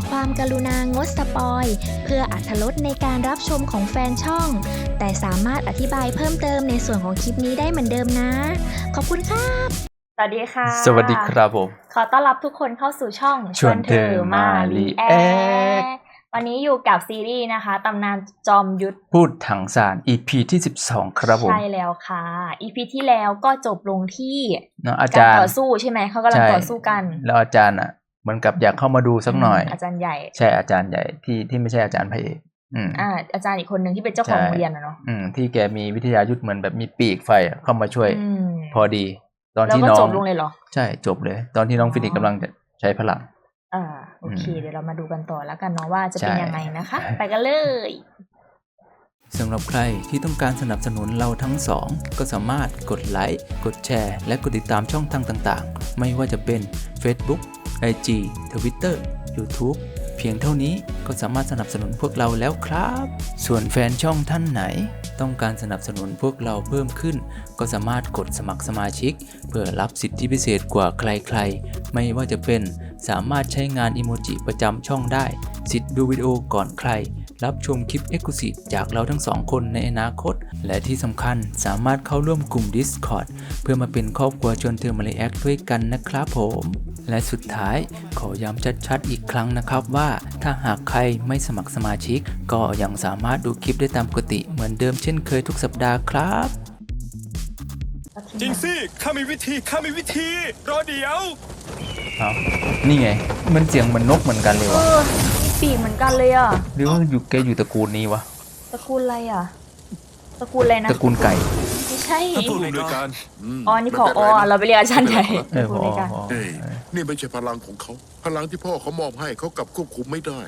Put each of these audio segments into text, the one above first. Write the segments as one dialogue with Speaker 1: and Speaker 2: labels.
Speaker 1: ความกรุณางดสปอยเพื่ออรรถรสในการรับชมของแฟนช่องแต่สามารถอธิบายเพิ่มเติมในส่วนของคลิปนี้ได้เหมือนเดิมนะขอบคุณครับสวัสดีค่ะ
Speaker 2: สวัสดีครับผม
Speaker 1: ขอต้อนรับทุกคนเข้าสู่ช่อง
Speaker 2: ชวนเธอมารีแอค
Speaker 1: วันนี้อยู่กับซีรีส์นะคะตำนานจอมยุทธ
Speaker 2: พูดถังสาร EP ที่12ครับผม
Speaker 1: ใช่แล้วค่ะ EP ที่แล้วก็จบลงที่
Speaker 2: อาจารย์
Speaker 1: ต่อสู้ใช่ไหมเขากำลังต่อสู้กัน
Speaker 2: แล้วอาจารย์อ่ะเหมือนกับอยากเข้ามาดูสักหน่อย
Speaker 1: อาจารย์ใหญ่
Speaker 2: ใช่อาจารย์ใหญ่ที่ไม่ใช่อาจารย์พระเอก
Speaker 1: อาจารย์อีกคนหนึ่งที่เป็นเจ้าของโรงเรียนเนาะ
Speaker 2: ที่แกมีวิทยายุทธเหมือนแบบมีปีกไฟเข้ามาช่วยพอดีตอนที่
Speaker 1: น้อง
Speaker 2: จ
Speaker 1: บลงเลยเหรอ
Speaker 2: ใช่จบเลยตอนที่น้องฟินิกกำลังจะใช้พลัง
Speaker 1: โอเคเดี๋ยวเรามาดูกันต่อแล้วกันเนาะว่าจะเป็นยังไงนะคะไปกันเลย
Speaker 2: สำหรับใครที่ต้องการสนับสนุนเราทั้งสองก็สามารถกดไลค์กดแชร์และกดติดตามช่องทางต่างๆไม่ว่าจะเป็น Facebook IG Twitter YouTube เพียงเท่านี้ก็สามารถสนับสนุนพวกเราแล้วครับส่วนแฟนช่องท่านไหนต้องการสนับสนุนพวกเราเพิ่มขึ้นก็สามารถกดสมัครสมาชิกเพื่อรับสิทธิพิเศษกว่าใครๆไม่ว่าจะเป็นสามารถใช้งานอิโมจิประจำช่องได้สิทธิ์ดูวิดีโอก่อนใครรับชมคลิป Exclusive จากเราทั้งสองคนในอนาคตและที่สำคัญสามารถเข้าร่วมกลุ่ม Discord เพื่อมาเป็นครอบครัวชวนเธอมารีแอคด้วยกันนะครับผมและสุดท้ายขอย้ำชัดๆอีกครั้งนะครับว่าถ้าหากใครไม่สมัครสมาชิกก็ยังสามารถดูคลิปได้ตามปกติเหมือนเดิมเช่นเคยทุกสัปดาห์ครับ
Speaker 3: จริงสิข้ามีวิธีรอเดี๋ยว
Speaker 2: นี่ไงมันเสียงเหมือนนกเหมือนกันเลยวะ
Speaker 1: มีปีกเหมือนกันเลยอ่ะ
Speaker 2: หรือว่าแกอยู่ตระกูลนี้วะ
Speaker 1: ตระกูลอะไรอ่ะตระกูลอะไรนะ
Speaker 2: ตระกูลไก่
Speaker 1: ไม่ใช่
Speaker 3: ผู้อำนวยการ
Speaker 1: นี่พอเราไปเรียกอาจารย์ใหญ่
Speaker 2: พอ
Speaker 4: นี่ไม่ใช่พลังของเขาพลังที่พ่อเขามอบให้เขากลับควบคุมไม่ได้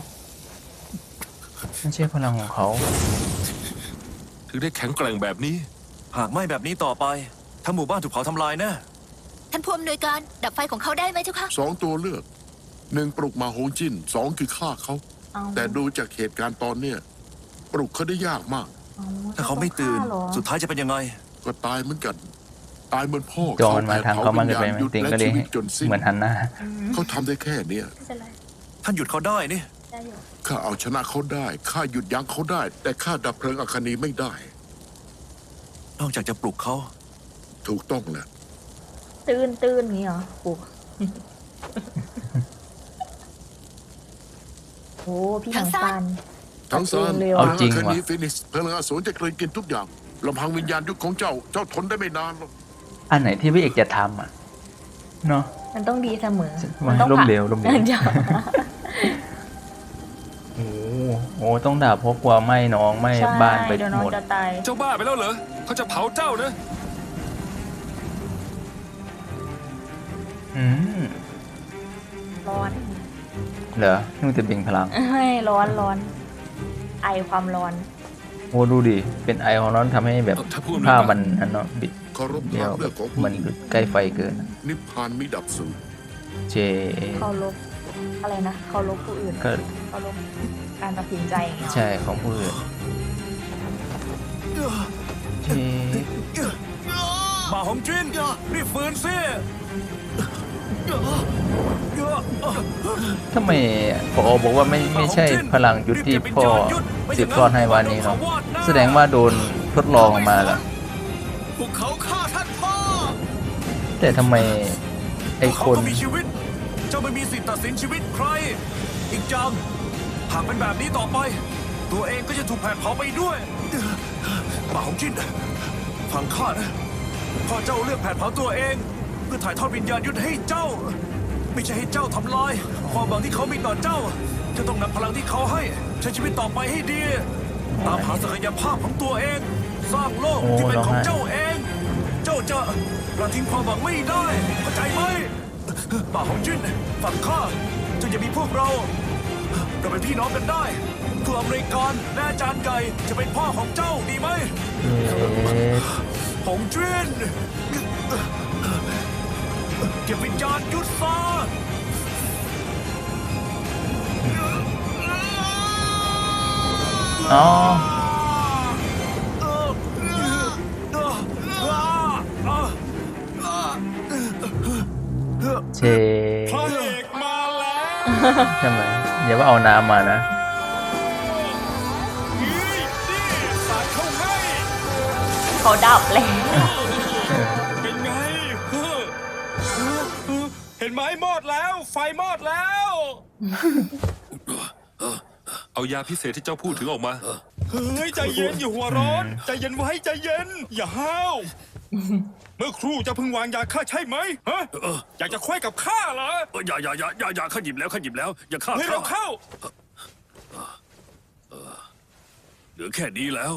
Speaker 2: ไม่ใช่พลังของเขา
Speaker 3: ถึงได้แข็งแกร่งแบบนี้หากไม่แบบนี้ต่อไปทั้งหมู่บ้านถูกเผาทำลายแน่
Speaker 5: ท่านผู้อำนวยการดับไฟของเขาได้ไหมเจ้าคะ
Speaker 4: 2 ตัวเลือก1ปลุกมาโฮงจิน2คือฆ่าเขาแต่ดูจากเหตุการณ์ตอนเนี้ยปลุกเขาได้ยากมาก
Speaker 3: ถ้าเขาไม่ตื่นสุดท้ายจะเป็นยังไง
Speaker 4: ก็ตายเหมือนกันตายเหมือนพ่อ
Speaker 2: จอนมาทางเขามันจะไปติงก็เลยเหมือนฮันน่า
Speaker 4: เขาทำได้แค่เนี้ย
Speaker 3: ท่านหยุดเขาได้นี่
Speaker 4: ข้าเอาชนะเขาได้ข้าหยุดยั้งเขาได้แต่ข้าดับเพลิงอัคนีไม่ได้
Speaker 3: นอกจากจะปลุกเขา
Speaker 4: ถูกต้องแหละ
Speaker 1: ตื่นนี่เหรอปลุกโอ้พี่ทั้งซาน
Speaker 2: เอาจริงว่ะ
Speaker 4: ฟินิกซ์พลังอสูรจะกลืนกินทุกอย่างลำพังวิญญาณยุคของเจ้าทนได้ไม่นานหรอก
Speaker 2: อันไหนที่พี่เอกจะทำเนาะ
Speaker 1: มันต้องดีเสมอ
Speaker 2: มันต้องล้มเหลวโอ้ต้องด่าเพราะกลัวไหม้น้องไหม้บ้านไปหมด
Speaker 3: เจ้าบ้าไปแล้วเหรอเขาจะเผาเจ้านะ
Speaker 1: ร้อน
Speaker 2: เหรอนู่นจะเบ่งพลัง
Speaker 1: ไม่ร้อนไอความร้อน
Speaker 2: โอ้ดูดิเป็นไอของร้อนทำให้แบบผ้ามันเนาะบิดเดียวมันใกล้ไฟเกิน
Speaker 4: นิพพานมิดับสูญ
Speaker 1: เคารพอะไรนะเคารพผู้อื่นเคารพการตัดสินใจ
Speaker 2: ใช่ของผู้อื่น
Speaker 3: มาหงจินรีบฟื้นซิ
Speaker 2: ทำไมพอบอกว่าไม่ใช่พลังยุทธที่พ่อสืบทอดให้วันนี้เนาะแสดงว่าโดนทดลองมาแล้ว
Speaker 3: พวกเขาฆ่าท่านพ่อ
Speaker 2: แต่ทำไมไอ้คน
Speaker 3: มีชีวิตเจ้าไม่มีสิทธิ์ตัดสินชีวิตใครอีกจังหากเป็นแบบนี้ต่อไปตัวเองก็จะถูกแผดเผาไปด้วยมาหงจินฟังข้านะพ่อเจ้าเลือกแผดเผาตัวเองเพื่อถ่ายทอดวิญญาณยุทธให้เจ้าไม่ใช่ให้เจ้าทำลายความหวังที่เขามีต่อเจ้าจะต้องนำพลังที่เขาให้ใช้ชีวิตต่อไปให้ดีตามหาศักยภาพของตัวเองสร้างโลกที่เป็นของเจ้าเองเจ้าจะละทิ้งความหวังไม่ได้เข้าใจไหมป่าหงจินฝั่งข้าเจ้าอย่ามีพวกเราเป็นพี่น้องกันได้ผู้อำนวยการและอาจารย์ใหญ่จะเป็นพ่อของเจ้าดีไหมหงจินเก็บวิญญาณยุทธซะ
Speaker 2: พระเอกมาแล้ว ใช่ไหมอย่าว่าเอาน้ำมานะ
Speaker 6: เขาดับแล้ว
Speaker 3: เป็นไงเห็นไหมมอดแล้ว ไฟมอดแล้ว
Speaker 7: เอายาพิเศษที่เจ้าพูดถึงออกมา
Speaker 3: เฮ้ยใจเย็นอย่าหัวร้อน ใจเย็นไว้ใจเย็น อย่าห้าว เมื่อครู่จะเพิ่งวางยาฆ่าใช่ไหมฮะอยากจะคว้ยกับข้าเหรออย่าข้าหยิบแล้วอย่าฆ่าให้เราเข้า เหลือแค่นี้แล้ว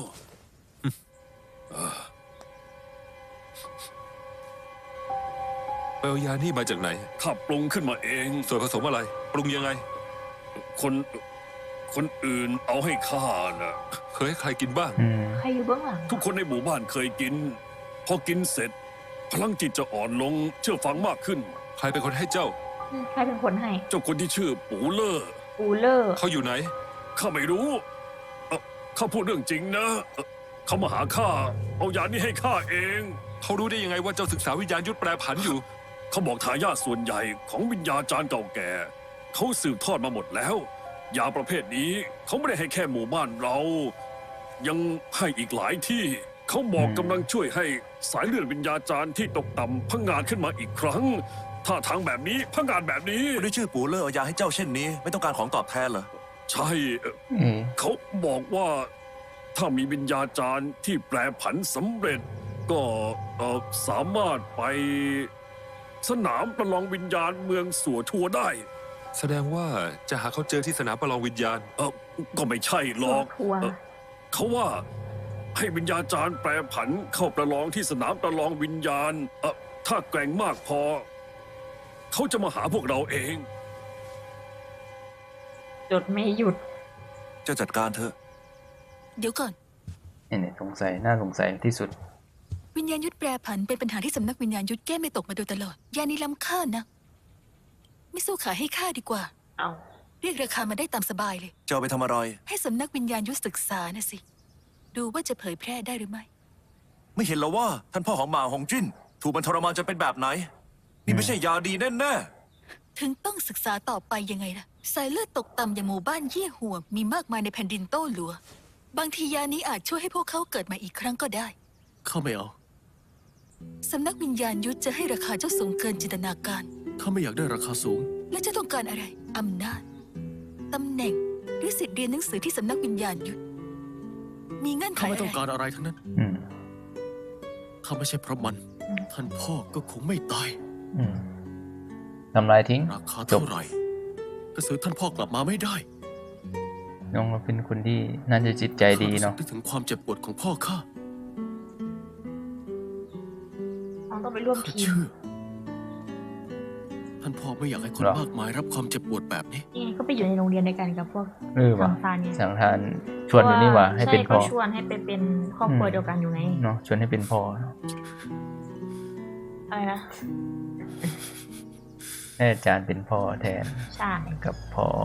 Speaker 7: ไปเอายานี่มาจากไหน
Speaker 3: ข้าปรุงขึ้นมาเอง
Speaker 7: ส่วนผสมอะไร ปรุงยังไง
Speaker 3: คนอื่นเอาให้ข้านะ
Speaker 7: เคยให้ใครกินบ้าง
Speaker 6: ใครอยู่เบื้องหลัง
Speaker 3: ทุกคนในหมู่บ้านเคยกิน พอกินเสร็จ พลังจิตจะอ่อนลง เชื่อฟังมากขึ้น
Speaker 7: ใครเป็นคนให้เจ้า
Speaker 6: ใครเป็นคนให้
Speaker 3: เจ้าคนที่ชื่อปูเลอร์
Speaker 6: ปูเลอร์
Speaker 7: เขาอยู่ไหน
Speaker 3: ข้าไม่รู้ข้าพูดเรื่องจริงนะเขามาหาข้า เอายานี้ให้ข้าเอง
Speaker 7: เขารู้ได้ยังไงว่าเจ้าศึกษาวิญญาณยุทธแปรผันอยู่
Speaker 3: เขาบอกทายาทส่วนใหญ่ของวิญญาจารย์เก่าแก่ เขาสืบทอดมาหมดแล้ว ยาประเภทนี้เขาไม่ได้ให้แค่หมู่บ้านเรา ยังให้อีกหลายที่ เขาบอกกำลังช่วยให้สายเลือดวิญญาจารย์ที่ตกต่ำพังงาดขึ้นมาอีกครั้ง ท่าทางแบบนี้พังงาดแบบนี้
Speaker 8: คนที่ชื่อปูเลอร์เอายาให้เจ้าเช่นนี้ ไม่ต้องการของตอบแทนเหรอ
Speaker 3: ใช่เขาบอกว่าถ้ามีวิญญาจารย์ที่แปรผันสำเร็จ ก็สามารถไปสนามประลองวิญญาณเมืองสัวทัวได้
Speaker 7: แสดงว่าจะหาเขาเจอที่สนามประลองวิญญาณ
Speaker 3: ก็ไม่ใช่หรอก
Speaker 6: ทัวร์
Speaker 3: เขาว่าให้วิญญาจารย์แปรผันเข้าประลองที่สนามประลองวิญญาณถ้าแกร่งมากพอ เขาจะมาหาพวกเราเอง
Speaker 6: จดไม่หยุด
Speaker 8: เจ้าจัดการเถอะ
Speaker 5: เดี๋ยวก่อน
Speaker 2: นี่สงสัยน่าสงสัยที่สุด
Speaker 5: วิญญาณยุทธแปรผันเป็นปัญหาที่สำนักวิญญาณยุทธแก้ไม่ตกมาโดยตลอด ยานี้ล้ำค่านะ ไม่สู้ขายให้ข้าดีกว่า
Speaker 6: เอา
Speaker 5: เรียกราคามาได้ตามสบายเลย
Speaker 8: เจ้าเอาไปทำอะไร
Speaker 5: ให้สำนักวิญญาณยุทธศึกษานะสิ ดูว่าจะเผยแพร่ได้หรือไม่
Speaker 8: ไม่เห็นเหรอว่าท่านพ่อของหมาหงจิ้น ถูกมันทรมานจนเป็นแบบไหน นี่ไม่ใช่ยาดีแน่
Speaker 5: ถึงต้องศึกษาต่อไปยังไงล่ะ สายเลือดตกต่ำอย่างหมู่บ้านเยี่ยหัว มีมากมายในแผ่นดินโต้หลัว บางทียานี้อาจช่วยให้พวกเขาเกิดมาอีกครั้งก็ได้
Speaker 9: ข้าไม่เอา
Speaker 5: สำนักวิญญาณยุทธจะให้ราคาเจ้าสูงเกินจินตนาการ
Speaker 9: ข้าไม่อยากได้ราคาสูง
Speaker 5: และเจ้าต้องการอะไร อำนาจ ตำแหน่ง หรือสิทธิ์เรียนหนังสือที่สำนักวิญญาณยุทธมีเงื่อนไข
Speaker 9: ข้าไม่
Speaker 5: อะ
Speaker 9: ต้อง
Speaker 5: ไร
Speaker 9: การอะไรทั้งนั้น
Speaker 2: อืม
Speaker 9: ข้าไม่ใช่เพราะมัน ท่านพ่อก็คงไม่ตาย
Speaker 2: อืมทำลายทิ้ง
Speaker 9: ราคาเท่าไหร่ ก็ซื้อท่านพ่อกลับมาไม่ได้
Speaker 2: น้องเราเป็นคนที่น่าจะจิตใจดีเนาะ
Speaker 9: ข้รู้สึกถึงความเจ็บปวดของพ่อข้า
Speaker 6: น้องต้องไปร่วม
Speaker 9: ข้า
Speaker 6: ทีม
Speaker 9: เชื่อ ท่านพ่อไม่อยากให้คนมากมายรับความเจ็บปวดแบบนี้
Speaker 6: นี่ไงก็ไปอยู่ในโรงเรียนด้วยกันกับพวก
Speaker 2: ว่ะ
Speaker 6: ทางซานไง
Speaker 2: สังทานชวนอยู่นี่หว่าให้เป็นพ่อ
Speaker 6: ใช่ก็ชวนให้ไปเป็นครอบครัวเดียวกันอยู่ไง
Speaker 2: เนาะชวนให้เป็นพ่อเนอะ
Speaker 6: อะไรนะ
Speaker 2: ให้อาจารย์เป็นพ่อแทน
Speaker 6: ใช่
Speaker 2: กับพ่อ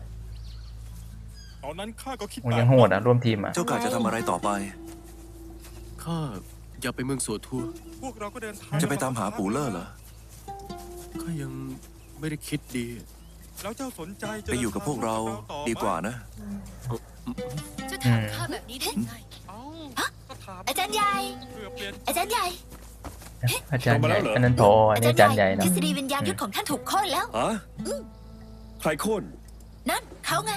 Speaker 3: ตอนนั้นข้าก็คิด
Speaker 2: โอ้ยังโหดอ่ะร่วมทีมอ่ะ
Speaker 8: ๆ เจ้ากะจะทำอะไรต่อไป
Speaker 9: ข้าอยากไปเมืองสัวทัว
Speaker 3: พวกเราก็เดินทาง
Speaker 8: จะไปตามหาปูเลอร์เหรอ
Speaker 9: ข้ายังไม่ได้คิดดี
Speaker 3: แล้วเจ้าสนใจจะ
Speaker 8: ไปอยู่กับพวกเราดีกว่านะ
Speaker 5: จะถามข้าแบบนี้ได้ไง อาจารย์ใหญ่ อาจารย์ใหญ่
Speaker 2: อาจารย์ใหญ่อันนั้นพออันนี้อาจารย์ใหญ่
Speaker 5: ท
Speaker 2: เนาะ
Speaker 5: ฤษฎีวิญญาณยุทธของท่านถูกโค่นแล้ว
Speaker 3: ฮะใครโค่น
Speaker 5: นั่นเขาไง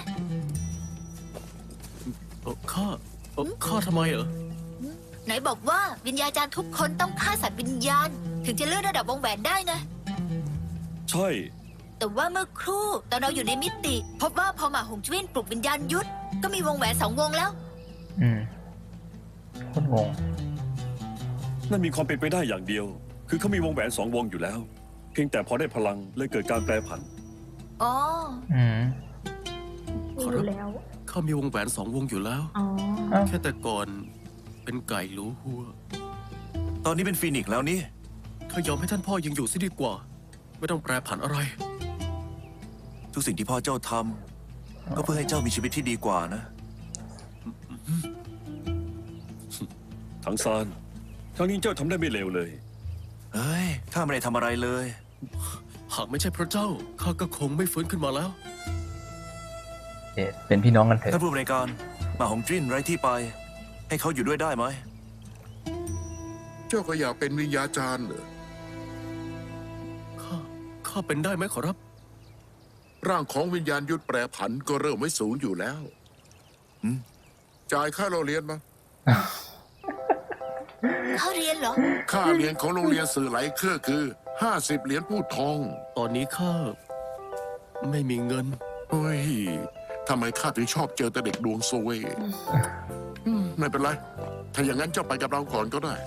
Speaker 9: ข้าทำไมเหรอ
Speaker 5: ไหนบอกว่าวิญญาจารย์ทุกคนต้องฆ่าสัตว์วิญญาณ ถึงจะเลื่อนระดับวงแหวนได้ไง
Speaker 3: ใช่
Speaker 5: แต่ว่าเมื่อครู่ตอนเราอยู่ในมิติ พบว่าพอหมาหงจุ้นปลุกวิญญาณยุทธก็มีวงแหวน2 วงแล้ว
Speaker 2: อืมโคตรงง
Speaker 3: นั่นมีความเป็นไปได้อย่างเดียว คือเขามีวงแหวน2 วงอยู่แล้ว เพียงแต่พอได้พลังเลยเกิดการแปรผัน
Speaker 5: อ๋อ
Speaker 2: อืม
Speaker 6: มีอยู่แล้ว
Speaker 9: ข้ามีวงแหวน2 วงอยู่แล้ว
Speaker 6: อ๋อ
Speaker 9: แค่แต่ก่อนเป็นไก่หลูหัว
Speaker 8: ตอนนี้เป็นฟีนิกซ์แล้วนี่
Speaker 9: ข้ายอมให้ท่านพ่อยังอยู่ซิดีกว่า ไม่ต้องแปรผันอะไร
Speaker 8: ทุกสิ่งที่พ่อเจ้าทำก็เพื่อให้เจ้ามีชีวิตที่ดีกว่านะ
Speaker 3: ทั้งซานครั้งนี้เจ้าทำได้ไม่เลวเลย
Speaker 8: เฮ้ย ข้าไม่ได้ทำอะไรเลย
Speaker 9: หากไม่ใช่พระเจ้า ข้าก็คงไม่ฟื้นขึ้นมาแล้ว
Speaker 2: เป็นพี่น้องกันเถ
Speaker 8: ท่าน
Speaker 2: อะ
Speaker 8: ผู้บริการหมาหงจิ้นไร้ที่ไป ให้เขาอยู่ด้วยได้ไหม
Speaker 4: เจ้าก็อยากเป็นวิญญาจารย์เหรอ
Speaker 9: ข้าเป็นได้ไหมขอรับ
Speaker 4: ร่างของวิญญาณยุทธแปรผันก็เริ่มไม่สูงอยู่แล้ว จ่ายค่าเราเรียนมา
Speaker 5: เขาเรียนเหรอ
Speaker 4: ค่าเรียนของโรงเรียนสื่อไหลเครือคือ 50 เหรียญพูดทอง
Speaker 9: ตอนนี้ข้าไม่มีเงิน
Speaker 4: เฮ้ยทำไมข้าถึงชอบเจอแต่เด็กดวงซวยไม่เป็นไร ถ้าอย่างนั้นเจ้าไปกับเราก่อนก็ได้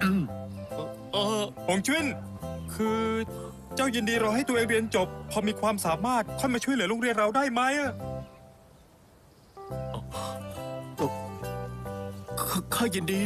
Speaker 10: หงจุ้นคือเจ้ายินดีรอให้ตัวเองเรียนจบ พอมีความสามารถค่อยมาช่วยเหลือโรงเรียนเราได้ไหมอะ
Speaker 9: ข้ายินดี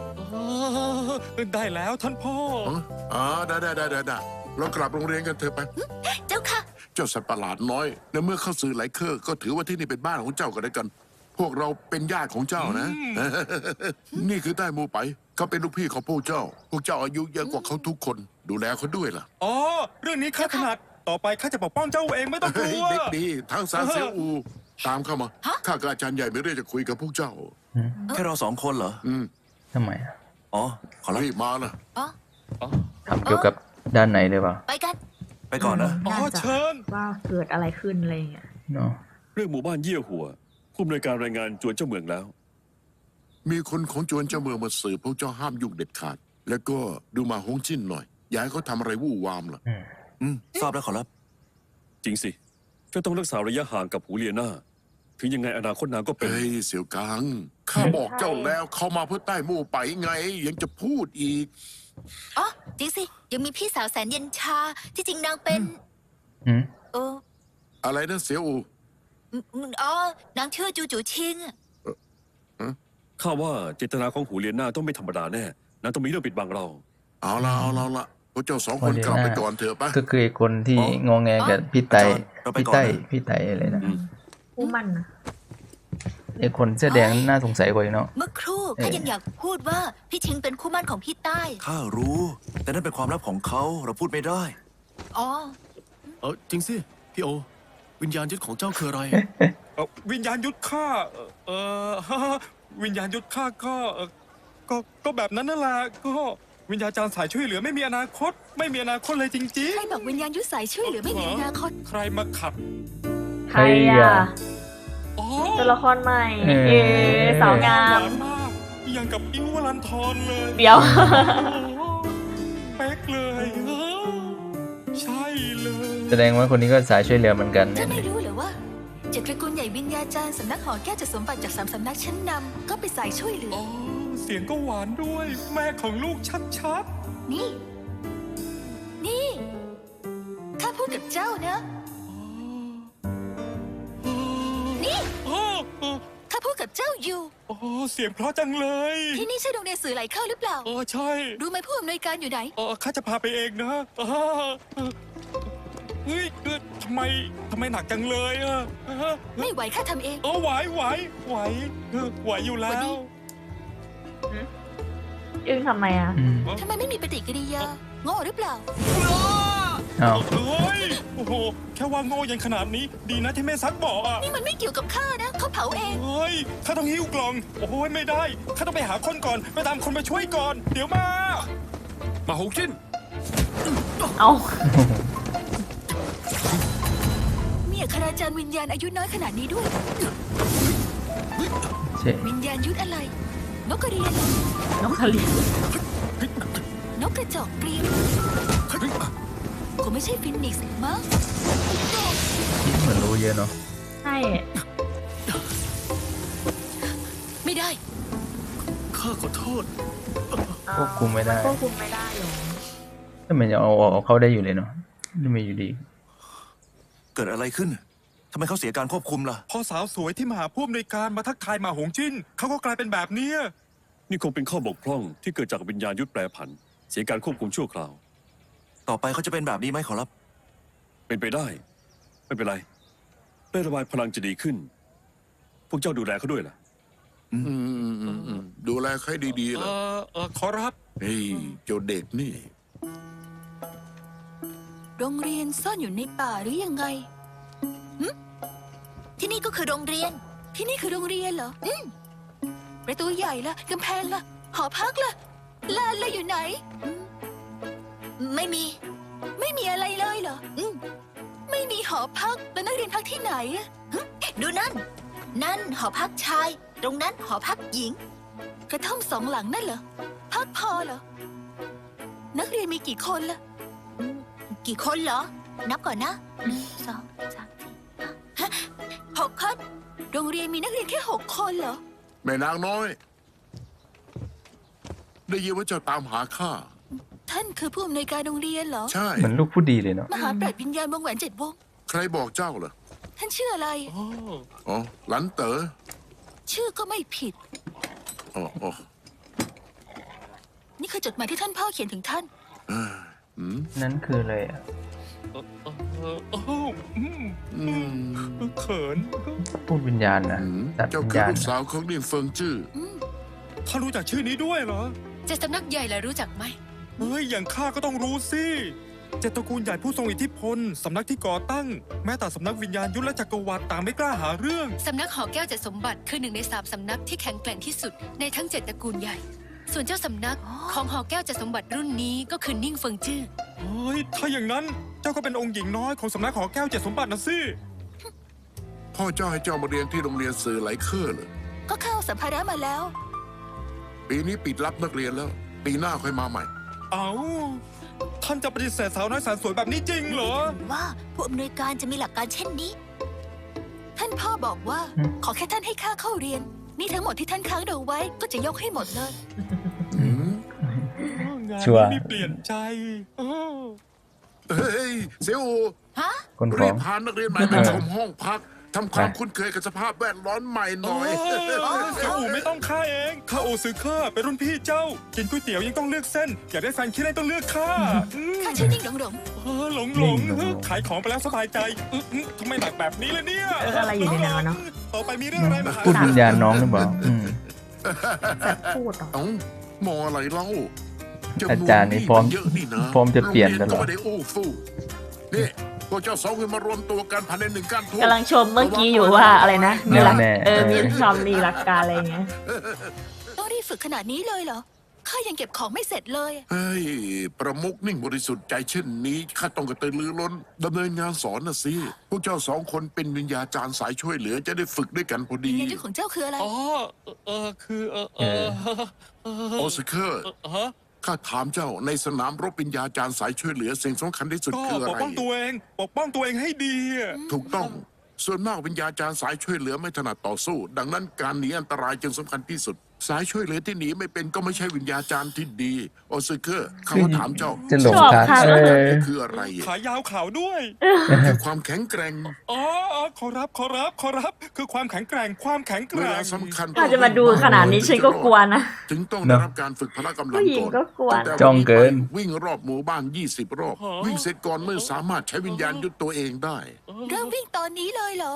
Speaker 10: ได้แล้วท่านพ่อ
Speaker 4: ได้เรากลับโรงเรียนกันเถอะไป
Speaker 5: เจ้าค่ะ
Speaker 4: เจ้าสัตว์ประหลาดน้อยในเมื่อเข้าสื่อไหลเครือก็ถือว่าที่นี่เป็นบ้านของเจ้าก็ได้กัน พวกเราเป็นญาติของเจ้านะ นี่คือใต้หมูไปเขาเป็นลูกพี่ของพวกเจ้า พวกเจ้าอายุเยอะกว่าเขาทุกคน ดูแลเขาด้วยล่ะ
Speaker 10: อ๋อ เรื่องนี้ข้าถนัด ต่อไปข้าจะปกป้องเจ้าเองไม่ต้องก
Speaker 4: เฮ้
Speaker 10: ลั
Speaker 4: ยว เด็กดีทั้งซานเซียวอู ตามเข้ามา
Speaker 5: ฮะ
Speaker 4: ข้ากับอาจารย์ใหญ่ไม่เรื่องจะคุยกับพวกเจ้า
Speaker 8: แค่เราสองคนเหรอ
Speaker 2: ทำไมอะ
Speaker 8: อ๋อ ขอรับ
Speaker 4: รีบมานะ
Speaker 5: อ๋อ
Speaker 2: ทำเกี่ยวกับด้านไหนเลยเปล่า
Speaker 5: ไปกัน
Speaker 8: ไปก่อนนะ
Speaker 10: อ๋อ
Speaker 6: น่าจะ
Speaker 10: เชิญ
Speaker 6: ว่าเกิดอะไรขึ้นอะไรอย่างเงี้ย
Speaker 2: เนาะ
Speaker 7: เรื่องหมู่บ้านเยี่ยหัว ผู้อำนวยการรายงานจวนเจ้าเมืองแล้ว
Speaker 4: มีคนของจวนเจ้าเมืองมาสืบพวกเจ้าห้ามยุ่งเด็ดขาด แล้วก็ดูมาฮงจิ้นหน่อยอย่าให้เขาทำอะไรวู่วามล่ะ
Speaker 8: ทราบแล้วขอรับ
Speaker 7: จริงสิเจ้าต้องรักษาระยะห่างกับหูเลียนาถึงยังไงอนาคตนางก็เป็น
Speaker 4: เฮ้ยเสี่ยวกังข้าบอกเจ้าแล้วเขามาเพื่อใต้หมู่ไปไง ยังจะพูดอีก
Speaker 5: อ๋อ จริงสิ ยังมีพี่สาวแสนเย็นชา ที่จริงนางเป็น
Speaker 2: อืม
Speaker 5: เออ
Speaker 4: อะไรนะเสี่ยวอู
Speaker 5: อ๋อ นางชื่อจูจูชิง
Speaker 7: ข้าว่าเจตนาของหูเลียนาต้องไม่ธรรมดาแน่นางต้องมีเรื่องปิดบังเรา
Speaker 4: เอาละพวกเจ้าสองคนกลับไปก่อนเถอะปะ
Speaker 2: ก็คือไอ้คนที่
Speaker 8: อ๋อ
Speaker 2: งอแงกับพี่ไต
Speaker 8: อาจารย์เราไปก่อนนะ
Speaker 2: พี่ไตอะไรนะ
Speaker 6: ผู้มันนะ
Speaker 2: ไอ้คนเสื้อแดงน่าสงสัยกว่าอีกเนาะ
Speaker 5: เมื่อครู่ข้ายังอยากพูดว่าพี่ชิงเป็นคู่หมั่นของพี่ใต้
Speaker 8: ข้ารู้ แต่นั่นเป็นความลับของเขา เราพูดไม่ได้
Speaker 5: อ๋อ
Speaker 9: จริงสิ พี่โอ วิญญาณยึดของเจ้าคืออะไร
Speaker 10: วิญญาณยุทธข้าวิญญาณยุทธข้าก็แบบนั้นนั่นแหละก็วิญญาจารย์สายช่วยเหลือไม่มีอนาคต ไม่มีอนาคตเลยจริง
Speaker 5: ใครบอกวิญญาณยุทธสายช่วยเหลือไม่มีอนาคต
Speaker 10: ใครมาขัด
Speaker 6: ใครอ่ะ
Speaker 10: อ๋อ
Speaker 6: ตัวละครใหม่
Speaker 2: เออ
Speaker 6: เอสาวงา
Speaker 10: ห
Speaker 6: ม
Speaker 10: วานมากยังกับอิ้ววลันทรเลย
Speaker 6: เดี๋ยว
Speaker 10: โอ้โหเป๊กเลยใช่เลย
Speaker 2: แสดงว่าคนนี้ก็สายช่วยเหลือเหมือนกัน
Speaker 5: เจ้า
Speaker 2: เนี่ย
Speaker 5: ไม่รู้เหรือว่าเจ็ดตระกูลใหญ่วิญญาจารย์สำนักหอแก้วจะสมบัติจาก3สำนักชั้นนำก็ไปสายช่วยเหลือ
Speaker 10: อ๋อเสียงก็หวานด้วย แม่ของลูกชัด
Speaker 5: นี่ นี่ข้าพูดกับเจ้านะ นี่
Speaker 10: ๆอ๋อ
Speaker 5: ข้าพูดกับเจ้าอยู่
Speaker 10: อ๋อเสียงเพราะจังเลย
Speaker 5: ที่นี่ใช่โรงเรียนสื่อไหลเข้าหรือเปล่า
Speaker 10: อ๋อใช่
Speaker 5: รู้ไหมผู้อำนวยการอยู่ไหน
Speaker 10: อ๋อข้าจะพาไปเองนะอ๋อเฮ้ยทำไมหนักจังเลยอ่ะ
Speaker 5: ไม่ไหวข้าทำเอง
Speaker 10: อ๋อไหวอยู่แล้
Speaker 5: วันนี้
Speaker 10: ว
Speaker 6: อึ้งทำไมอ่ะ
Speaker 2: อืม
Speaker 5: ทำไมไม่มีปฏิกิริยาโง่หรือเปล่า
Speaker 2: เอา
Speaker 10: เฮ้ยโอ้โหแค่ว่าโง่ยังขนาดนี้ดีนะที่แม่ซักบอกอ่ะ
Speaker 5: นี่มันไม่เกี่ยวกับข้านะเขาเผาเอง
Speaker 10: เฮ้ยข้าต้องหิ้วกล่องโอ้โหไม่ได้ข้าต้องไปหาคนก่อนไปตามคนมาช่วยก่อน เดี๋ยวมา
Speaker 7: มาหงจิ้น
Speaker 6: เอา
Speaker 5: มีอัคราจารย์วิญญาณอายุน้อยขนาดนี้ด้วย
Speaker 2: ใช่
Speaker 5: วิญญาณยุทธอะไร นกกระเรียน
Speaker 6: น้องคาริน
Speaker 5: นกกระจอกเกรียนคงไม่ใช่ฟินิกซ์มั้ง
Speaker 2: เหมือนรู้เยอะเนาะ
Speaker 6: ใช่
Speaker 5: ไม่ได้
Speaker 9: ข้าขอโทษ
Speaker 2: ควบคุมไม่ได้
Speaker 6: ควบคุมไม่ได้หรอ
Speaker 2: ถ้ามันจะเอาเขาได้อยู่เลยเนาะนี่ไม่อยู่ดี
Speaker 8: เกิดอะไรขึ้นทำไมเขาเสียการควบคุมล่ะ
Speaker 10: พอสาวสวยที่มาหาผู้อำนวยการมาทักทายมาหงจิ้นเขาก็กลายเป็นแบบเนี้ย
Speaker 7: นี่คงเป็นข้อบกพร่องที่เกิดจากวิญญาณยุทธแปรผัน เสียการควบคุมชั่วคราว
Speaker 8: ต่อไปเขาจะเป็นแบบนี้ไหมขอรับ
Speaker 7: เป็นไปได้ ไม่เป็นไรได้ระบายพลังจะดีขึ้น พวกเจ้าดูแลเขาด้วยล่ะ
Speaker 4: ดูแลใครดีๆล่ะ
Speaker 10: ขอรับ
Speaker 4: เฮ้ยเจ้าเด็กนี่
Speaker 5: โรงเรียนซ่อนอยู่ในป่าหรือยังไงหึที่นี่ก็คือโรงเรียน ที่นี่คือโรงเรียนเหรอประตูใหญ่ละกำแพงละหอพักละลานละอยู่ไหน ไม่มี ไม่มีอะไรเลยเหรอไม่มีหอพักแล้วนักเรียนพักที่ไหนอะดูนั่น นั่นหอพักชาย ตรงนั้นหอพักหญิง กระท่อมสองหลังนั่นเหรอ พักพอเหรอ นักเรียนมีกี่คนล่ะ กี่คนเหรอ นับก่อนนะ1 2 3 4 6 คน โรงเรียนมีนักเรียนแค่6 คนเหรอ
Speaker 4: แม่นางน้อย ได้ยินว่าเจ้าตามหาข้า
Speaker 5: ท่านคือผู้อำนวยการโรงเรียนเหรอ
Speaker 4: ใช่
Speaker 2: เหมือนลูกผู้ดีเลยเนาะ
Speaker 5: มหาปราชญ์วิญญาณวงแหวน7 วง
Speaker 4: ใครบอกเจ้าเหรอ
Speaker 5: ท่านชื่ออะไร
Speaker 4: อ๋อหลันเต๋อ
Speaker 5: ชื่อก็ไม่ผิด
Speaker 4: อ๋อ
Speaker 5: นี่คือจดหมายที่ท่านพ่อเขียนถึงท่าน
Speaker 2: นั่นคืออะไรอ่ะ
Speaker 10: เขิน
Speaker 2: พูดวิญญาณนะตัด
Speaker 4: เจ้า
Speaker 2: วิญ
Speaker 4: คือ
Speaker 2: ญาณ
Speaker 4: ลูกสาวของลินเฟิงจื้อ
Speaker 10: ท่านรู้จักชื่อนี้ด้วยเหรอ
Speaker 5: เจ็ดสำนักใหญ่แล้วรู้จักไหม
Speaker 10: เฮ้ย อย่างข้าก็ต้องรู้สิเจ็ดตระกูลใหญ่ผู้ทรงอิทธิพล สำนักที่ก่อตั้ง แม้แต่สำนักวิญญาณยุทธและจักรวรรดิต่างไม่กล้าหาเรื่อง
Speaker 11: สำนักหอแก้วเจ็ดสมบัติคือ1 ใน 3สำนักที่แข็งแกร่งที่สุดในทั้ง7ตระกูลใหญ่ ส่วนเจ้าสำนักของหอแก้วเจ็ดสมบัติรุ่นนี้ก็คือนิ่งเฟิงจื้อ
Speaker 10: เฮ้ย ถ้าอย่างนั้นเจ้าก็เป็นองค์หญิงน้อยของสำนักหอแก้วเจ็ดสมบัตินะสิ
Speaker 4: พ่อเจ้าให้เจ้ามาเรียนที่โรงเรียนสื่อไหลเคอร์เลย
Speaker 5: ก็เข้าสัมภาระมาแล้ว
Speaker 4: ปีนี้ปิดรับนักเรียนแล้ว ปีหน้าค่อยมาใหม่
Speaker 10: เอาท่านจะปฏิเสธสาวน้อยแสนสวยแบบนี้จริงเหรอ
Speaker 5: ว่าผู้อำนวยการจะมีหลักการเช่นนี้ ท่านพ่อบอกว่า ขอแค่ท่านให้ข้าเข้าเรียน นี่ทั้งหมดที่ท่านค้างเราไว้ก็จะยกให้หมดเลย
Speaker 10: งาน
Speaker 2: ชัวร์
Speaker 10: นี้เปลี่ยนใจ
Speaker 4: เฮ้ย เสี่ยวอู
Speaker 5: ฮะ
Speaker 2: คนฟ้
Speaker 4: รี
Speaker 2: อง
Speaker 4: บพานักเรียนใหม่ไปชมห้องพักทำความคุ้นเคยกับสภาพแวดล้อมใหม่หน่อย
Speaker 10: เสี่ยวอู่ไม่ต้องข้าเองข้าโอซื้อข้าเป็นรุ่นพี่เจ้า กินก๋วยเตี๋ยวยังต้องเลือกเส้น อยากได้แฟนคิดได้ต้องเลือกข้า
Speaker 5: ข้าชื่อนิ่งหลงหลง
Speaker 10: หลงขายของไปแล้วสบายใจทำไมหนักแบบนี้เลยเนี่ย
Speaker 6: อะไรอยู่ในนั้นวะเนาะ
Speaker 10: ต่อไปมีเรื่องอะไรมาหา
Speaker 2: พูดวิญญาณน้องหรือเปล่า
Speaker 6: แบบพูดเหรอ
Speaker 4: เอ้า มองอะไรเล่า
Speaker 2: อาจารย์นี่พร้อม
Speaker 4: เยอะนี่นะ
Speaker 2: พร้อมจะเปลี่ยนตลอด
Speaker 4: โรงเรีนก็ไม่ได้อู้ฟู่นี่พวกเจ้าสองคนมารวมตัวกันภายใน1 การทุ
Speaker 6: กำลังชมเมื่อกี้อยู่ว่าอะไรนะ มีหลัก
Speaker 2: แน่ๆ
Speaker 6: มีความมีหลักการอะไรอย่างเงี้ย
Speaker 5: ต้องรีบฝึกขนาดนี้เลยเหรอ ข้ายังเก็บของไม่เสร็จเลย
Speaker 4: เฮ้ย ประมุกนิ่งบริสุทธิ์ใจเช่นนี้ข้าต้องกระตือรือร้นดำเนินงานสอนนะสิ พวกเจ้า2 คนเป็นวิญญาจารย์สายช่วยเหลือจะได้ฝึกด้วยกันพอดี
Speaker 5: วิญญาณยุทธของเจ้าคืออะไร
Speaker 10: คือ
Speaker 4: โอสเคอร์ข้าถามเจ้าในสนามรบวิญญาจารย์สายช่วยเหลือสิ่งสำคัญที่สุด
Speaker 10: ก็
Speaker 4: คืออะ
Speaker 10: ปก
Speaker 4: ไร
Speaker 10: ป้องตัวเอง ปกป้องตัวเองให้ดีอะ
Speaker 4: ถูกต้อง ส่วนมากวิญญาจารย์สายช่วยเหลือไม่ถนัดต่อสู้ ดังนั้นการหนีอันตรายจึงสำคัญที่สุด สายช่วยเหลือที่หนีไม่เป็นก็ไม่ใช่วิญญาจารย์ที่ดี โอซึเคอร์เขาถามเจ้า
Speaker 2: จะหลง
Speaker 6: ชอบ
Speaker 2: ทาง
Speaker 6: ค่ะ
Speaker 4: คืออะไร
Speaker 10: ขายาวขาวด้วย
Speaker 4: คือความแข็งแกร่ง
Speaker 10: ขอรับ คือความแข็งแกร่ง ความแข็งแก
Speaker 4: เว
Speaker 10: ร่
Speaker 4: ลาง สำคัญ
Speaker 6: อาจจะมาดูขนาดนี้ฉันก็กลัวนะ
Speaker 4: จึงต้องได้รับการฝึกพละกำลัง
Speaker 6: ผู้หญิง
Speaker 4: ก่อน
Speaker 6: ก็กลัว
Speaker 4: ตั้แต่
Speaker 2: จ้องเกิน
Speaker 4: วิ่งรอบหมู่บ้าน20 รอบ วิ่งเสร็จก่อนเมื่อสามารถใช้วิญญาณยุดตัวเองได้
Speaker 5: เริ่มวิ่งตอนนี้เลยเหรอ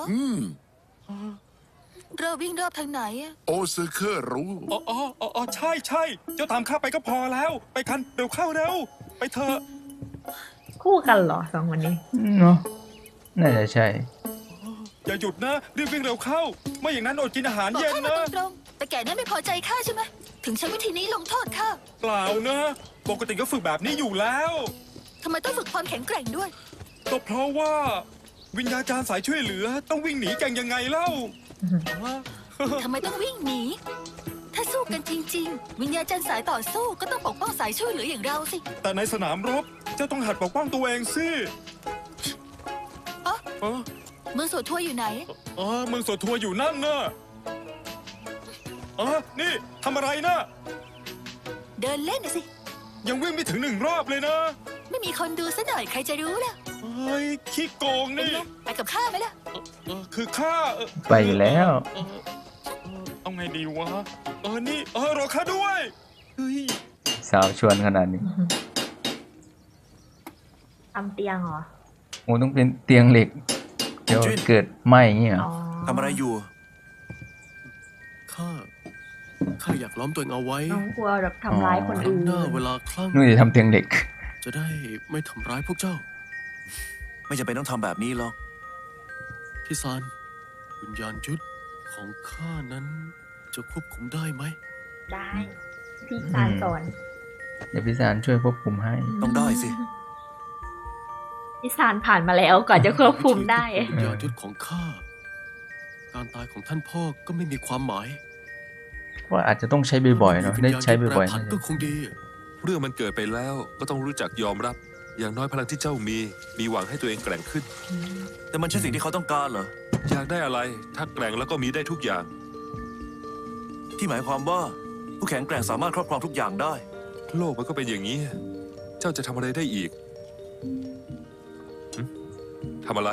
Speaker 5: เริ่มวิ่งรอบทางไหนอะ
Speaker 4: โอซึเคอร์รู้
Speaker 10: ใช่เจ้าตามข้าไปก็พอแล้ว ไปกันเร็วเข้าเร็ว ไปเถอะ
Speaker 6: คู่กันเหรอสองคนนี้
Speaker 2: เนาะน่าจะใช่
Speaker 10: อย่าหยุดนะรีบวิ่งเร็วเข้า ไม่อย่างนั้นอดกินอาหาร
Speaker 5: บอก
Speaker 10: เย็น
Speaker 5: ข้ามา
Speaker 10: นะ
Speaker 5: ตรงๆแต่แกนั่นไม่พอใจข้าใช่ไหม ถึงใช้วิธีนี้ลงโทษข้า
Speaker 10: เปล่านะ ปกติก็ฝึกแบบนี้อยู่แล้ว
Speaker 5: ทำไมต้องฝึกความแข็งแกร่งด้วย
Speaker 10: ก็เพราะว่า วิญญาจารย์สายช่วยเหลือ ต้องวิ่งหนีกันยังไงเล่า
Speaker 5: ทำไมต้องวิ่งหนี ถ้าสู้กันจริง ๆ วิญญาจารย์สายต่อสู้ก็ต้องปกป้องสายช่วยเหลืออย่างเราสิ
Speaker 10: แต่ในสนามรบเจ้าต้องหัดปกป้องตัวเองสิ
Speaker 5: อ๋อ
Speaker 10: เออ
Speaker 5: เมืองสวดทัวร์อยู่ไหน
Speaker 10: เมืองสวดทัวร์อยู่นั่นนะนี่ทำอะไรนะ
Speaker 5: เดินเล่นน่ะสิ
Speaker 10: ยังวิ่งไม่ถึง1 รอบเลยนะ
Speaker 5: ไม่มีคนดูซะหน่อยใครจะรู้ล่ะ
Speaker 10: เฮ้ยขี้โกง
Speaker 5: เป็น
Speaker 10: นี่
Speaker 5: ไงไปกับข้าไหมล่ะ
Speaker 10: คือข้า
Speaker 2: ไปอยู่แล้ว
Speaker 10: เอาไงดีวะ นี่รอข้าด้วยเฮ้ย
Speaker 2: สาวชวนขนาดนี้
Speaker 6: ทำเตียงเหรอ
Speaker 2: โอ้ต้องเป็นเตียงเหล็ก เดี๋ยวเกิดไหมอย่างเงี้ยเหรอ
Speaker 6: อ๋อ
Speaker 8: ทำอะไรอยู่
Speaker 9: ข้าอยากล้อมตัวเองเอาไว้
Speaker 6: น้องกลัวแบบทำร้ายคน
Speaker 9: ครั้
Speaker 6: อื่
Speaker 9: ง
Speaker 6: น
Speaker 9: หน้าเวลาคลั่ง
Speaker 2: นู่นจะทำเตียงเหล็ก
Speaker 9: จะได้ไม่ทำร้ายพวกเจ้า
Speaker 8: ไม่จำเป็นต้องทำแบบนี้หรอก
Speaker 9: พี่ซานวิญญาณยุทธของข้านั้นจะควบคุมได้ไหม
Speaker 6: ได้ พี่ซานสอน
Speaker 2: เดี๋ยวพี่สารช่วยควบคุมให้
Speaker 8: ต้องได้สิ
Speaker 6: พี่ซานผ่านมาแล้วก่อนจะควบคุมได้
Speaker 9: วิญญาณยุทธของข้า การตายของท่านพ่อก็ไม่มีความหมาย
Speaker 2: ว่าอาจจะต้องใช้บ่อยๆเนาะได้ใช้บ่อย
Speaker 9: วิญญาณยุทธแปรผันก็คงดี
Speaker 12: เรื่องมันเกิดไปแล้วก็ต้องรู้จักยอมรับ อย่างน้อยพลังที่เจ้ามีหวังให้ตัวเองแกร่งขึ้น
Speaker 8: แต่มันใช่สิ่งที่เขาต้องการเหรอ
Speaker 12: อยากได้อะไรถ้าแกร่งแล้วก็มีได้ทุกอย่าง
Speaker 8: ที่หมายความว่าผู้แข็งแกร่งสามารถครอบครองทุกอย่างได้
Speaker 12: โลกมันก็เป็นอย่างนี้ เจ้าจะทำอะไรได้อีกหึทำอะไร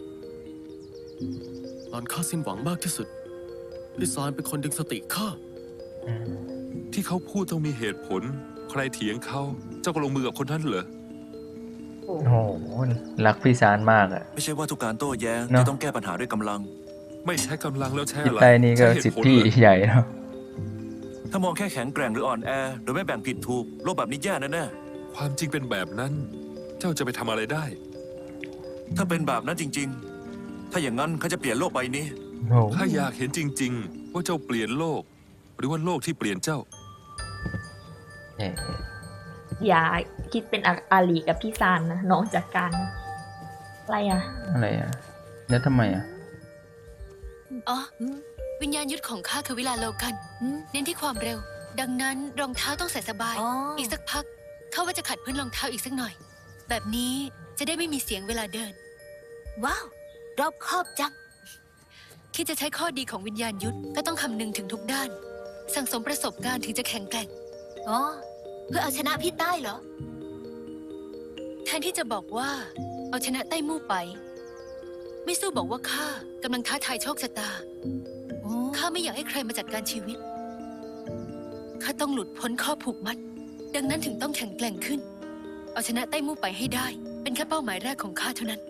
Speaker 9: ตอนข้าสิ้นหวังมากที่สุด พี่ซานเป็นคนดึงสติข้า
Speaker 12: ที่เขาพูดต้องมีเหตุผล ใครเถียงเขาเจ้าก็ลงมือกับคนนั้นเหรอ
Speaker 2: ๆโอ้โหรักพี่สารมากอะ
Speaker 8: ไม่ใช่ว่าทุกการโต้แย้ง
Speaker 2: เนอะ
Speaker 8: จะต้องแก้ปัญหาด้วยกำลัง
Speaker 12: ไม่ใช้กำลังแล้วใช้
Speaker 2: จิต
Speaker 12: อะไร
Speaker 2: ใจนี่ก็
Speaker 12: ใช้เห
Speaker 2: สิท
Speaker 12: ตุผล
Speaker 2: ธิ
Speaker 12: เหรอ
Speaker 2: ใหญ่เนาะ
Speaker 8: ถ้ามองแค่แข็งแกร่งหรืออ่อนแอ โดยไม่แบ่งผิดถูก โลกแบบนี้แย่แน่
Speaker 12: ความจริงเป็นแบบนั้น เจ้าจะไปทำอะไรได้
Speaker 8: ๆถ้าเป็นแบบนั้นจริง ๆ ถ้าอย่างนั้นเขาจะเปลี่ยนโลกใบนี้
Speaker 2: โอ้โห
Speaker 12: ข้าอยากเห็นจริง ๆ ว่าเจ้าเปลี่ยนโลก หรือว่าโลกที่เปลี่ยนเจ้า
Speaker 2: เอ๊ะ
Speaker 6: อย่าคิดเป็นอาลีกับพี่ซานนะน้องจากการอะไรอ่ะ
Speaker 2: อะไรอะแล้วทำไมอะ
Speaker 11: อ๋อ วิญญาณยุทธของข้าคือวิลาโลกัน เน้นที่ความเร็ว ดังนั้นรองเท้าต้องใส่สบาย
Speaker 5: อ๋ออี
Speaker 11: อีกสักพักข้าว่าจะขัดพื้นรองเท้าอีกสักหน่อย แบบนี้จะได้ไม่มีเสียงเวลาเดิน
Speaker 5: ว้าว รอบคอบจัง
Speaker 11: คิดจะใช้ข้อดีของวิญญาณยุทธก็ต้องคำนึงถึงทุกด้าน สั่งสมประสบการณ์ถึงจะแข็งแกร่ง
Speaker 5: อ๋อ เพื่อเอาชนะพี่ใต้เหรอ
Speaker 11: แทนที่จะบอกว่า เอาชนะใต้มู่ไป ไม่สู้บอกว่าข้ากำลังท้าทายโชคชะตา ข้าไม่อยากให้ใครมาจัดการชีวิต ข้าต้องหลุดพ้นข้อผูกมัด ดังนั้นถึงต้องแข็งแกร่งขึ้น เอาชนะใต้มู่ไปให้ได้ เป็นแค่เป้าหมายแรกของข้าเท่านั้น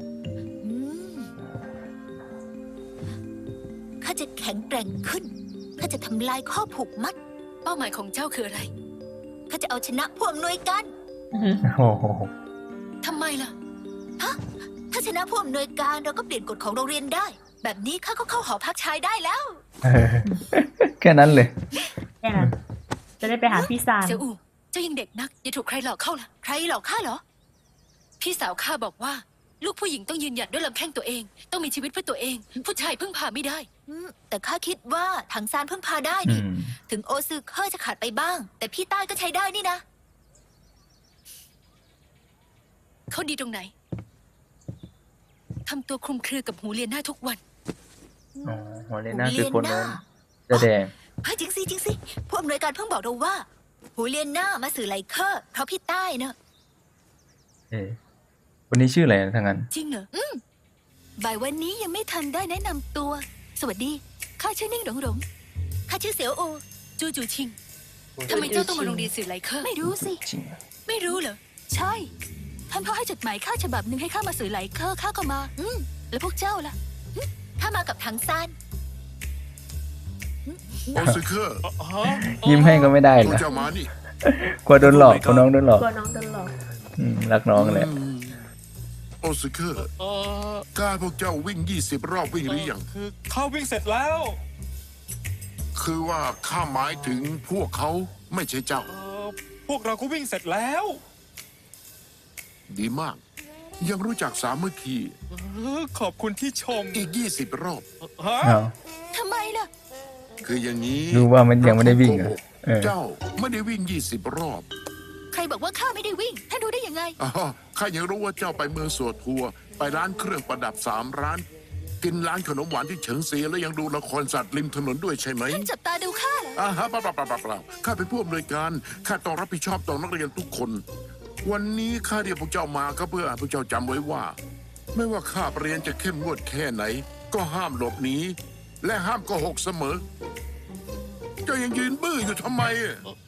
Speaker 5: ข้าจะแข็งแกร่งขึ้น ข้าจะทำลายข้อผูกมัด
Speaker 11: เป้าหมายของเจ้าคืออะไร
Speaker 5: ข้าจะเอาชนะพวกอำนวยการ
Speaker 2: โอ้โห
Speaker 11: ทำไมล่ะ
Speaker 5: ถ้าชนะผู้อำนวยการเราก็เปลี่ยนกฎของโรงเรียนได้ แบบนี้ข้าก็เข้าหอพักชายได้แล้ว
Speaker 2: เออแค่นั้นเลย
Speaker 6: แค่นั้นจะได้ไปหาพี่ซาน
Speaker 11: เสี่ยวอู่เจ้ายังเด็กนัก อย่าถูกใครหลอกเข้าล่ะ
Speaker 5: ใครหลอกข้าเหรอ
Speaker 11: พี่สาวข้าบอกว่า ลูกผู้หญิงต้องยืนหยัดด้วยลำแข้งตัวเอง ต้องมีชีวิตเพื่อตัวเอง ผู้ชายพึ่งพาไม่ได้
Speaker 5: แต่ข้าคิดว่าถังซานเพิ่งพาได้
Speaker 2: อื
Speaker 5: นี่
Speaker 2: ม
Speaker 5: ถึงโอซึเคอร์จะขาดไปบ้าง แต่พี่ใต้ก็ใช้ได้นี่นะ
Speaker 11: เขาดีตรงไหน ทำตัวคลุมเครือกับหูเลียนหน้าทุกวัน
Speaker 2: อ๋อหัวเลน่าคือคนนั้นแสดง
Speaker 5: เฮ้ยจริงสิผู้อำนวยการเพิ่งบอกเราว่า หูเลียนหน้ามาสื่อไลเคอร์เพราะพี่ใต้เนอะ
Speaker 2: เอ๊ะวันนี้ชื่ออะไรนะทางนั้น
Speaker 11: จริงเหรอ
Speaker 5: บ่ายวันนี้ยังไม่ทันได้แนะนำตัว สวัสดี ข้าชื่อนิ่งหลงหลงข้าชื่อเสียวโอ
Speaker 11: จูจูชิง ทำไมเจ้าต้องมาโรงเรียนสื่อไลเคอร์
Speaker 5: ไม่รู้สิ
Speaker 2: จริงเหรอ
Speaker 11: ไม่รู้เหรอ
Speaker 5: ใช่ ท่านพ่อให้จดหมายข้าฉบับหนึ่งให้ข้ามาสื่อไลเคอร์ข้าก็มา แล้วพวกเจ้าล่ะข้ามากับถังซาน
Speaker 4: โอซึเคอร์
Speaker 2: ยิ้มให้ก็ไม่ได้
Speaker 4: พ
Speaker 2: เหร
Speaker 4: วก
Speaker 2: อ
Speaker 4: เจ้ามานี่
Speaker 2: กลัวโดนหลอกกลัวน้องโดนหลอก
Speaker 6: กลัวน้องโดนหลอก
Speaker 2: รักน้องแหละ
Speaker 4: โอซึเคอร์กล้าพวกเจ้าวิ่ง 20 รอบวิ่งหรือยัง
Speaker 10: คือเข้าวิ่งเสร็จแล้ว
Speaker 4: คือว่าข้าหมายถึงพวกเขาไม่ใช่เจ้า
Speaker 10: พวกเราก็วิ่งเสร็จแล้ว
Speaker 4: ดีมาก ยังรู้จักสามัคคี
Speaker 10: ขอบคุณที่ชม
Speaker 4: อีก 20 รอบ
Speaker 10: ฮะ
Speaker 2: เอา
Speaker 5: ทำไมล่ะ
Speaker 4: คืออย่างนี้
Speaker 2: รู้ว่ามันยังไม่ได้วิ่งเหรอเออ
Speaker 4: เจ้าไม่ได้วิ่ง 20 รอบ
Speaker 5: ใครบอกว่าข้าไม่ได้วิ่ง ท่านรู้ได้ยังไง
Speaker 4: อ๋อข้ายังรู้ว่าเจ้าไปเมืองสวดทัวร์ไปร้านเครื่องประดับ3 ร้าน กินร้านขนมหวานที่เฉิงเซียแล้วยังดูละครสัตว์ริมถนนด้วยใช่ไหม
Speaker 5: ท่านจับตาดูข้าเหรอ
Speaker 4: เปล่าข้าเป็นผู้อำนวยการข้าต้องรับผิดชอบต่อนักเรียนทุกคน วันนี้ข้าเรียกพวกเจ้ามาก็เพื่อให้พวกเจ้าจำไว้ว่า ไม่ว่าข้าเรียนจะเข้มงวดแค่ไหน ก็ห้ามหลบหนีและห้ามโกหกเสมอ เจ้ายังยืนบื้ออยู่ทำไมอะ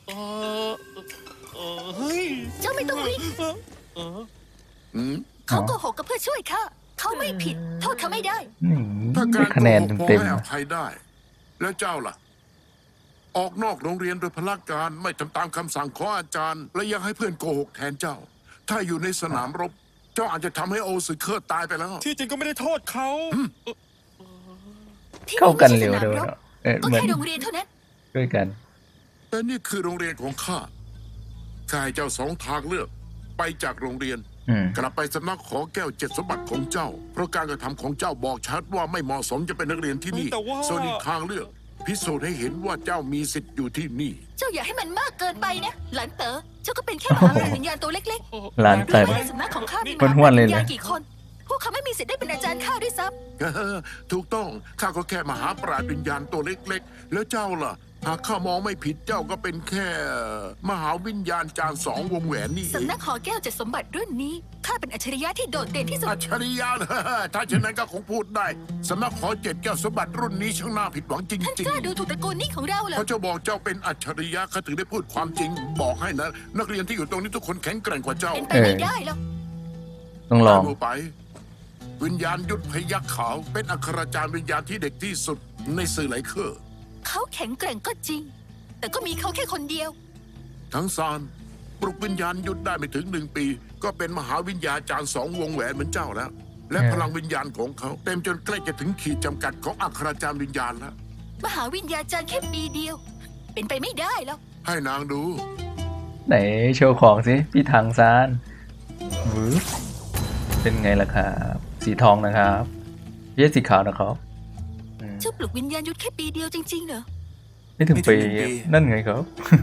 Speaker 10: เฮ้ย
Speaker 5: เจ้าไม่ต้องวิ่ง
Speaker 4: อืม
Speaker 5: เขาโกหกก็เพื่อช่วยข้า เขาไม่ผิด โทษเขาไม่ได้
Speaker 2: นี่
Speaker 4: ถ้า
Speaker 2: ได้
Speaker 4: การ
Speaker 2: คะแนน
Speaker 4: โกหกพอ
Speaker 2: เต็ม
Speaker 4: ให้
Speaker 2: ๆ
Speaker 4: อ
Speaker 2: อะ
Speaker 4: ภัยได้ แล้วเจ้าล่ะ ออกนอกโรงเรียนโดยพละการไม่ทำตามคำสั่งของอาจารย์ และยังให้เพื่อนโกหกแทนเจ้า ถ้าอยู่ในสนามรบ เจ้าอาจจะทำให้โอซึเคอร์ตายไปแล้ว
Speaker 10: ที่จริงก็ไม่ได้โทษเขา
Speaker 5: ที่
Speaker 2: เข้ากันเร็ว
Speaker 5: ไม่
Speaker 2: ด้วย
Speaker 5: ใช่สนามรบ
Speaker 2: เนาะ
Speaker 5: ก็
Speaker 2: เหมือน
Speaker 5: แค่โรงเรียนเท่านั้น
Speaker 2: ด้วยกัน
Speaker 4: แต่นี่คือโรงเรียนของข้าข้าให้เจ้า2 ทางเลือก ไปจากโรงเรียน
Speaker 2: อืม
Speaker 4: กลับไปสำนักขอแก้ว7 สมบัติของเจ้า เพราะการกระทำของเจ้าบอกชัดว่าไม่เหมาะสมจะเป็นนักเรียนที่นี่
Speaker 10: แต่ว่า
Speaker 4: ส่วนอีกทางเลือก พิสูจน์ให้เห็นว่าเจ้ามีสิทธิ์อยู่ที่นี่
Speaker 5: เจ้าอย่าให้มันมากเกินไปนะ หลานเต๋อเจ้าก็เป็นแค่มหาวิญญาณตัวเล็ก
Speaker 2: หลาน
Speaker 5: ๆ
Speaker 2: เต๋อ
Speaker 5: รู้ไหมในสำนักของข้ามีม
Speaker 2: ห้ว
Speaker 5: หาน
Speaker 2: ๆเลย
Speaker 5: วิญ
Speaker 2: นะ
Speaker 5: ญาณกี่คน พวกเขาไม่มีสิทธิ์ได้เป็นอาจารย์ข้าด้วยซ้
Speaker 4: ถูกต้องข้าก็แค่มหาปราชญ์วิญญาณตัวเล็กๆ แล้วเจ้าล่ะ หากข้ามองไม่ผิดเจ้าก็เป็นแค่ มหาวิญญาณจารย์2 วงแหวนนี่
Speaker 5: ำ
Speaker 4: เอง
Speaker 5: สำนักหอแก้วเจ็ดสมบัติรุ่นนี้ข้าเป็นอัจฉริยะที่โดดเด่นที่สุด
Speaker 4: อัจฉริยะนะ ถ้าเช่นนั้นก็คงพูดได้สำนักขอ7 แก้วสมบัติรุ่นนี้ช่างน่าผิดหวังจ
Speaker 5: ท่าน
Speaker 4: ริง
Speaker 5: กล้าดูถูกตระกูลนี้ของเราเหร
Speaker 4: ๆ
Speaker 5: อ
Speaker 4: เพราะเจ้าบอกเจ้าเป็นอัจฉริยะข้าถึงได้พูดความจริง บอกให้นะ นักเรียนที่อยู่ตรงนี้ทุกคนแข็งแกร่งกว่าเจ้า
Speaker 5: เป็นไปไม่ได้หรอก
Speaker 2: ต้องลอง
Speaker 4: ดูไป วิญญาณยุทธพยัคฆ์ขาวเป็นอัครจารย์วิญญาณที่เด็กที่สุดในสื่อไหลเคอร์
Speaker 5: เขาแข็งแกร่งก็จริง แต่ก็มีเขาแค่คนเดียว
Speaker 4: ทั้งซานปลุกวิญญาณยุทธได้ไม่ถึง1 ปี ก็เป็นมหาวิญญาจารย์2 วงแหวนเหมือนเจ้าแล้ว และพลังวิญญาณของเขา เต็มจนใกล้จะถึงขีดจำกัดของอัครจารย์วิญญาณแล้ว
Speaker 5: มหาวิญญาจารย์แค่ปีเดียว เป็นไปไม่ได้หรอก
Speaker 4: ให้นางดู
Speaker 2: ไหนโชว์ของสิพี่ถังซานวืบเป็นไงล่ะครับ สีทองนะครับเยสสีขาวนะครับอืม
Speaker 5: เจ้าปลุกวิญญาณยุทธแค่ปีเดียวจริงๆเหรอ
Speaker 2: ไม่ถึง
Speaker 8: ไม่ถึ
Speaker 2: ปี
Speaker 8: ง1 ปี
Speaker 2: นั่นไงครับ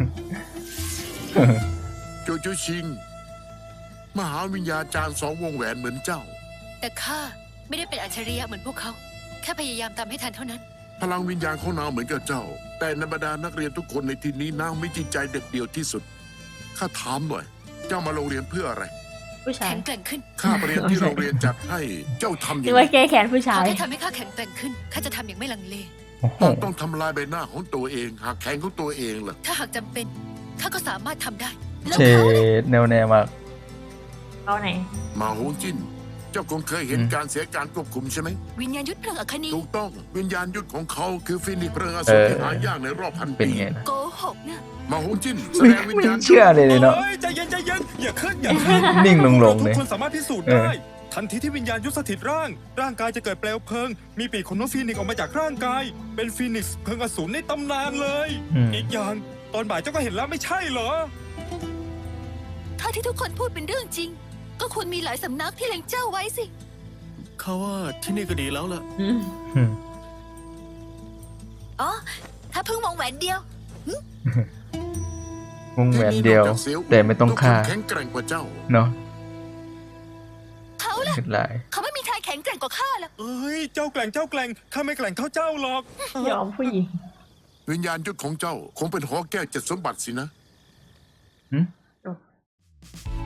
Speaker 4: โจจูชิง มหาวิญญาจารย์2 วงแหวนเหมือนเจ้า
Speaker 11: แต่ข้าไม่ได้เป็นอัจฉริยะเหมือนพวกเขา แค่พยายามตามให้ทันเท่านั้น
Speaker 4: พลังวิญญาณของนางเหมือนกับเจ้า แต่ในบรรดานักเรียนทุกคนในที่นี้นางมีจิตใจเด็ดเดี่ยวที่สุดข้าถามหน่อย เจ้ามาโรงเรียนเพื่ออะไร
Speaker 6: ผู้ชาย
Speaker 11: แข็งแกร่งขึ้น
Speaker 4: ค่าเรียนที่โรงเรียนจัดให้เจ้าทำอ
Speaker 6: นึ
Speaker 4: ย่าก ง
Speaker 6: ว่า
Speaker 4: ไร
Speaker 6: แก้แค้นผู้
Speaker 11: ข
Speaker 6: ชา
Speaker 11: อย แค่ทำให้ข้าแข็งแกร่งขึ้น ข้าจะทำอย่างไม่ลังเล
Speaker 2: โอ้โห
Speaker 4: ต้องทำลายใบหน้าของตัวเองหากแขนของตัวเองล่ะ
Speaker 11: ถ้าหากจำเป็น ข้าก็สามารถทำได้
Speaker 5: แล้ว
Speaker 2: เช
Speaker 5: เขาล่ะ
Speaker 2: ดแนวแนวมาก
Speaker 6: เอาไหน
Speaker 4: มาหงจิ้น เจ้าคงเคยเห็น
Speaker 2: อืม
Speaker 4: การเสียการควบคุมใช่ไหม
Speaker 5: วิญญาณยุทธเพลิงอัคนี
Speaker 4: ถูกต้องวิญญาณยุทธของเขาคือฟินิกซ์เพลิงอสูรที่หายากในรอบพัน
Speaker 2: เป็น
Speaker 4: ปี
Speaker 2: ไงนะ
Speaker 5: โกหกนะ
Speaker 4: มาหงจิ้นแสดงวิญ
Speaker 2: ไม่
Speaker 4: ญาณ
Speaker 2: เชื่อเลยเนาะ
Speaker 10: เอ้ยใจเย็นอย่าขึ้นอย่าขึ้น
Speaker 2: นิ่งลงๆ
Speaker 10: พวก
Speaker 2: เลย
Speaker 10: ราทุกคนสามารถพิสูจน์
Speaker 2: เออ
Speaker 10: ได้ ทันทีที่วิญญาณยุทธสถิตร่างกายจะเกิดเปลวเพลิง มีปีกของนกฟีนิกซ์ออกมาจากร่างกาย เป็นฟีนิกซ์เพลิงอสูรในตำนานเลย
Speaker 2: อืม
Speaker 10: อีกอย่างตอนบ่ายเจ้าก็เห็นแล้วไม่ใช่เหรอ
Speaker 5: ถ้าที่ทุกคนพูดเป็นเรื่องจริง ก็ควรมีหลายสำนักที่เล็งเจ้าไว้สิ
Speaker 9: เขาว่าที่นี่ก็ดีแล้วล่ะ
Speaker 6: อืม
Speaker 2: อืม
Speaker 5: อ๋อ ถ้าเพิ่งวงแหวนเดียว
Speaker 2: วงแหวนเดียว
Speaker 4: ที่นี่นอกจากสีย
Speaker 2: แต่ไม่ต้องฆ่า
Speaker 4: ทุกคนแข็งแกร่งกว่าเจ้า
Speaker 2: เนาะ
Speaker 5: เขาล่ะ
Speaker 2: ขึ้นหลาย
Speaker 5: เขาไม่มีทางแข็งแกร่งกว่าข้าหรอก
Speaker 10: เอ้ยเจ้าแกล่งข้าไม่แกล่งเท่าเจ้าหรอก
Speaker 6: ยอมผู้หญิง
Speaker 4: วิญญาณยุทธของเจ้า คงเป็นหอแก้ว7 สมบัติสินะ
Speaker 2: หืม